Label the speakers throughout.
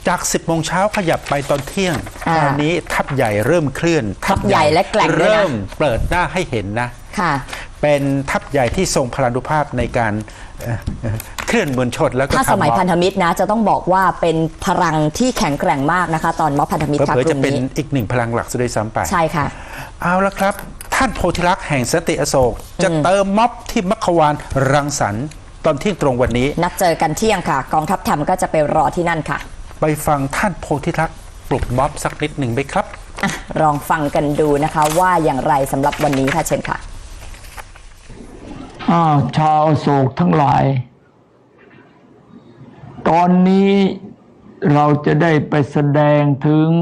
Speaker 1: จาก10 โมงเช้าขยับไปตอนเที่ยงคราวนี้ทัพใหญ่เริ่มเคลื่อน
Speaker 2: ทัพใหญ่และแกร่งด้วยนะ
Speaker 1: เริ่มเปิดหน้าให้เห็นนะ
Speaker 2: ค่ะ
Speaker 1: เป็นทัพใหญ่ที่ทรงพลานุภาพในการเคลื่อนมวลชนแล้วก็
Speaker 2: ถ้าสมัยพันธมิตรนะจะต้องบอกว่าเป็นพลังที่แข็งแกร่งมากนะคะตอนม็อบพันธมิตรค่ะกลุ่มนี้
Speaker 1: จะเป็นอีกหนึ่งพลังหลักซะด้วยซ้ำไป
Speaker 2: ใช่ค่ะ
Speaker 1: เอาละครับท่านโพธิลักษณ์แห่งสันติอโศกจะเติมม็อบที่มัคควานรังสรรค์ตอนเที่ยงตรงวันนี้
Speaker 2: นัดเจอกันเที่ยงค่ะกองทัพธรรมก็จะไปรอที่นั่นค่ะ
Speaker 1: ไปฟังท่านโพธิลักษณ์ปลุกม็อบสักนิดหนึ่งไหมครับ
Speaker 2: ลองฟังกันดูนะคะว่าอย่างไรสำหรับวันนี้ค่ะเชิญค่ะ
Speaker 3: ชาวโศกทั้งหลายตอนนี้เราจะได้ไปแสดงถึง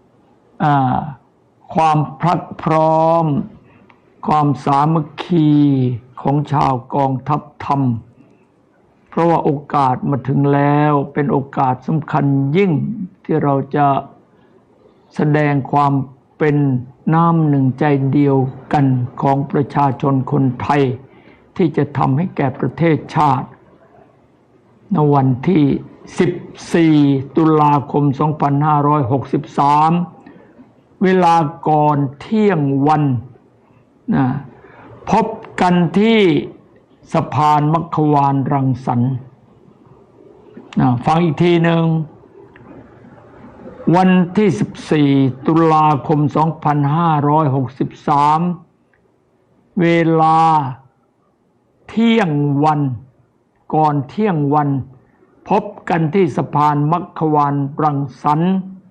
Speaker 3: ความพลัดพร้อมความสามัคคีของชาวกองทัพธรรมเพราะว่าโอกาสมาถึงแล้วเป็นโอกาสสำคัญยิ่งที่เราจะแสดงความเป็นน้ำหนึ่งใจเดียวกันของประชาชนคนไทยที่จะทำให้แก่ประเทศชาติในวันที่14 ตุลาคม 2563 เวลาก่อนเที่ยงวันนะพบกันที่สะพานมัคควานรังสรรค์ฟังอีกทีหนึ่งวันที่14 ตุลาคม 2563 เวลาเที่ยงวันก่อนเที่ยงวันพบกันที่สะพานมัคควานรังสรรค์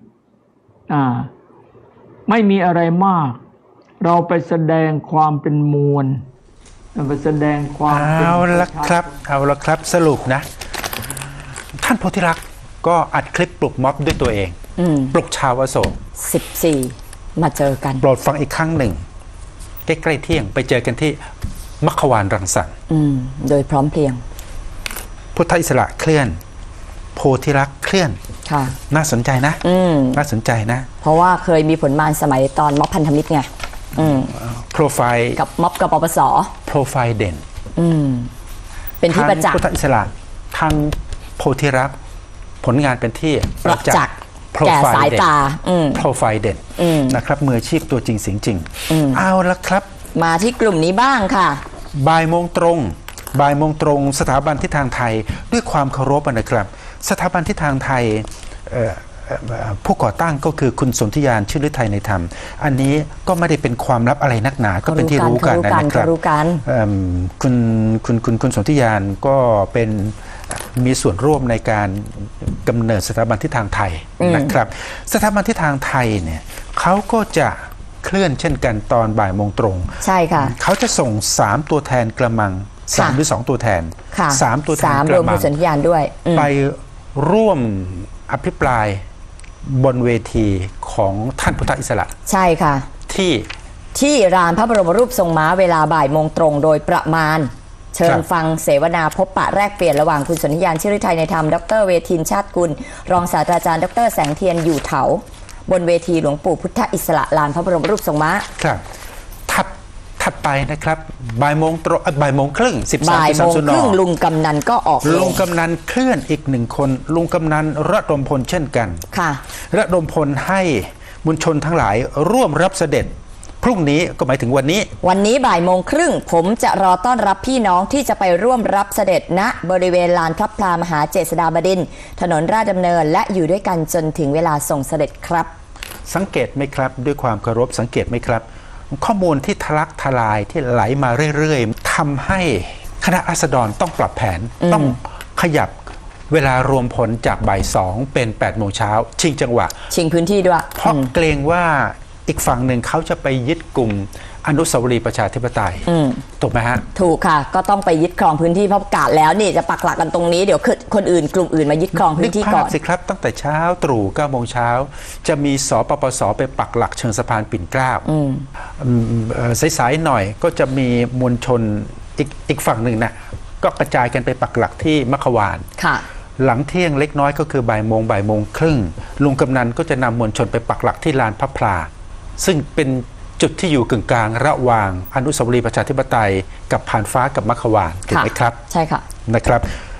Speaker 3: ไม่มีอะไรมากเราไปแสดงความเป็นมวลไปแสดงความ
Speaker 1: เอาละครับสรุปนะท่านโพธิลักษณ์ก็อัดคลิปปลุกม็อบด้วยตัวเองปลุกชาวอโศก
Speaker 2: 14มาเจอกัน
Speaker 1: โปรดฟังอีกครั้งหนึ่งใกล้ๆเที่ยงไปเจอกันที่มัคควานรังสรรค์
Speaker 2: โดยพร้อมเพรียง
Speaker 1: พุทธอิสระเคลื่อนโพธิลักษณ์เคลื่อนน่าสนใจนะน่าสนใจนะ
Speaker 2: เพราะว่าเคยมีผลงานสมัยตอนม็อบพันธมิตรไง
Speaker 1: โปรไฟล์
Speaker 2: กับม็อบกับปปส
Speaker 1: โปรไฟล์เด่น
Speaker 2: เป็นที่ประจักษ์
Speaker 1: พุทธอิสระทางโพธิลักษณ์ผลงานเป็นที่
Speaker 2: ประจักษ์แก่สายตา
Speaker 1: โปรไฟล์เด่นนะครับมืออาชีพตัวจริงเสียงจริงเอาละครับ
Speaker 2: มาที่กลุ่มนี้บ้างค่ะ
Speaker 1: บ่ายโมงตรงสถาบันทิศทางไทยด้วยความเคารพนะครับสถาบันทิศทางไทยผู้ก่อตั้งก็คือคุณสนธิยานชื่อฤทัยในธรรมอันนี้ก็ไม่ได้เป็นความลับอะไรนักหนาก็เป็นที่รู้กันนะครับคุณสนธิยานก็เป็นมีส่วนร่วมในการกำเนิดสถาบันทิศทางไทยนะครับสถาบันทิศทางไทยเนี่ยเขาก็จะเคลื่อนเช่นกันตอนบ่ายโมงตรง
Speaker 2: ใช่ค่ะ
Speaker 1: เขาจะส่ง3ตัวแทนกระมัง3หรือ2ตัวแทน3ตัวแทน
Speaker 2: กระมังรวมคุณสนธิยานด้วย
Speaker 1: ไปร่วมอภิปรายบนเวทีของท่านพุทธอิสระ
Speaker 2: ใช่ค่ะที่ลานพระบรมรูปทรงม้าเวลาบ่ายโมงตรงโดยประมาณเชิญฟังเสวนาพบปะแลกเปลี่ยนระหว่างคุณสนธิยานชื่อฤทัยในธรรมดร.เวทินชาติกุลรองศาสตราจารย์ดร.แสงเทียนอยู่เถาบนเวทีหลวงปู่พุทธอิสระลานพระบรมรูปทรงม้า
Speaker 1: ครับถัดไปนะครับบ่ายโมงครึ่ง
Speaker 2: บ่ายโมงครึ่งลุงกำนันก็ออก
Speaker 1: ลุงกำนันเคลื่อนอีก1คนลุงกำนันระดมพลเช่นกัน
Speaker 2: ค่ะ
Speaker 1: ระดมพลให้มวลชนทั้งหลายร่วมรับเสด็จพรุ่งนี้ก็หมายถึงวันนี้
Speaker 2: บ่ายโมงครึ่งผมจะรอต้อนรับพี่น้องที่จะไปร่วมรับเสด็จณบริเวณลานพระพลามหาเจษฎาบดินทร์ถนนราชดำเนินและอยู่ด้วยกันจนถึงเวลาส่งเสด็จครับ
Speaker 1: สังเกตไหมครับด้วยความเคารพสังเกตไหมครับข้อมูลที่ทะลักทลายที่ไหลมาเรื่อยๆทำให้คณะราษฎรต้องปรับแผนต้องขยับเวลารวมผลจากบ่าย2เป็น8 โมงเช้าชิงจังหวะ
Speaker 2: ชิงพื้นที่ด้วย
Speaker 1: เพราะเกรงว่าอีกฝั่งหนึ่งเขาจะไปยึดกลุ่มอนุสาวรีย์ประชาธิปไตยถูกไหมฮะ
Speaker 2: ถูกค่ะก็ต้องไปยึดครองพื้นที่เพราะประกาศแล้วนี่จะปักหลักกันตรงนี้เดี๋ยวคนอื่นกลุ่มอื่นมายึดครองพื้นที่ก่อน
Speaker 1: สิครับตั้งแต่เช้าตรู่9 โมงเช้าจะมีสปปสไปปักหลักเชิงสะพานปิ่นเกล้าสายๆหน่อยก็จะมีมวลชนอีกฝั่งหนึ่งนะก็กระจายกันไปปักหลักที่มัคควานหลังเที่ยงเล็กน้อยก็คือบ่ายโมงครึ่งลุงกำนันก็จะนำมวลชนไปปักหลักที่ลานพระพลาซึ่งเป็นจุดที่อยู่กึ่งกลางระหว่างอนุสาวรีย์ประชาธิปไตยกับผ่านฟ้ากับมัคควานถูกไหมครับ
Speaker 2: ใช่ค่ะ
Speaker 1: นะครับ